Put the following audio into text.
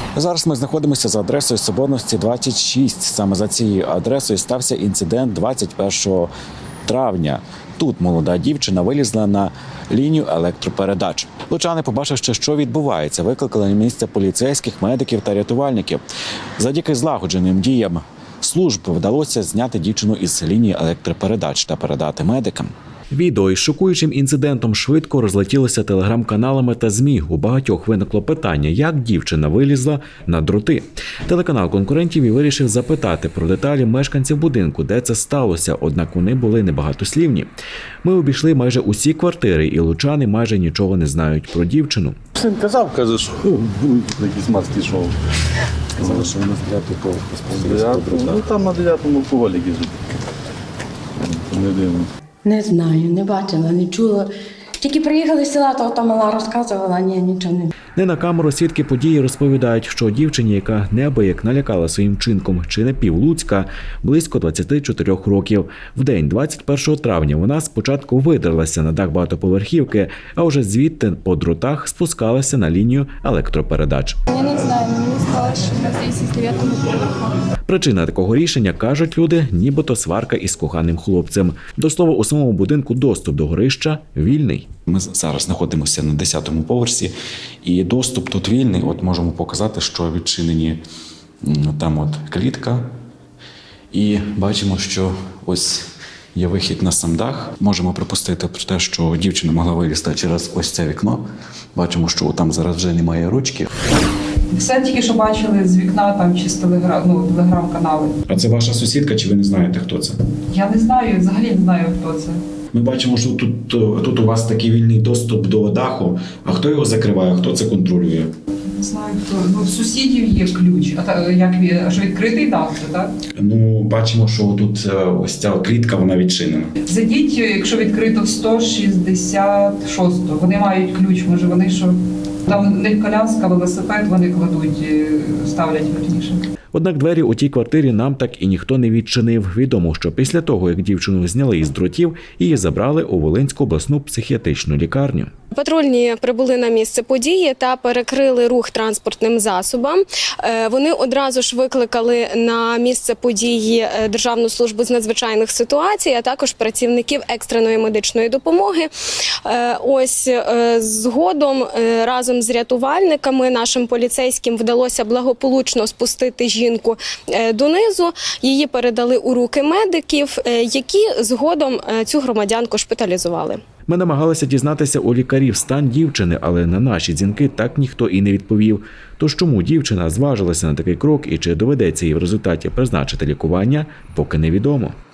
Зараз ми знаходимося за адресою Соборності 26. Саме за цією адресою стався інцидент 21 травня. Тут молода дівчина вилізла на лінію електропередач. Лучани, побачивши, що відбувається, викликали на місце поліцейських, медиків та рятувальників. Завдяки злагодженим діям служб вдалося зняти дівчину із лінії електропередач та передати медикам. Відео із шокуючим інцидентом швидко розлетілося телеграм-каналами та ЗМІ. У багатьох виникло питання, як дівчина вилізла на дроти. Телеканал конкурентів і вирішив запитати про деталі мешканців будинку, де це сталося, однак вони були небагатослівні. Ми обійшли майже усі квартири, і лучани майже нічого не знають про дівчину. Син казав, каже, що якісь маски йшов. Казали, що вона з 9-ї поверху. Ну там на 9-му поволі їздить. Не дивно. Не знаю, не бачила, не чула. Тільки приїхали з села, то мала розказувала, ні, нічого не. Не на камеру свідки події розповідають, що дівчині, яка неабияк налякала своїм вчинком чи не півлуцька, близько 24 років. В день 21 травня вона спочатку видерлася на дах багатоповерхівки, а вже звідти по дротах спускалася на лінію електропередач. Я не знаю, мені сказали, що на з 9-му поверху. Причина такого рішення, кажуть люди, нібито сварка із коханим хлопцем. До слова, у самому будинку доступ до горища вільний. Ми зараз знаходимося на 10-му поверсі, і доступ тут вільний. От можемо показати, що відчинені там от клітка. І бачимо, що ось є вихід на сам дах. Можемо припустити про те, що дівчина могла вилізти через ось це вікно. Бачимо, що там зараз вже немає ручки. Все тільки що бачили з вікна там чи з телеграм-канали. А це ваша сусідка, чи ви не знаєте, хто це? Я не знаю, взагалі не знаю, хто це. Ми бачимо, що тут у вас такий вільний доступ до даху. А хто його закриває, хто це контролює? Не знаю, хто. Ну, в сусідів є ключ. Аж відкритий дах, так? Ну, бачимо, що тут ось ця клітка, вона відчинена. Зайдіть, якщо відкрито 166-го. Вони мають ключ, може вони що... Там у них коляска, велосипед вони кладуть, ставлять верніше. Однак двері у тій квартирі нам так і ніхто не відчинив. Відомо, що після того, як дівчину зняли із дротів, її забрали у Волинську обласну психіатричну лікарню. Патрульні прибули на місце події та перекрили рух транспортним засобам. Вони одразу ж викликали на місце події Державну службу з надзвичайних ситуацій, а також працівників екстреної медичної допомоги. Ось згодом разом з рятувальниками нашим поліцейським вдалося благополучно спустити жінку донизу. Її передали у руки медиків, які згодом цю громадянку шпиталізували. Ми намагалися дізнатися у лікарів стан дівчини, але на наші дзвінки так ніхто і не відповів. Тож чому дівчина зважилася на такий крок і чи доведеться їй в результаті призначити лікування, поки невідомо.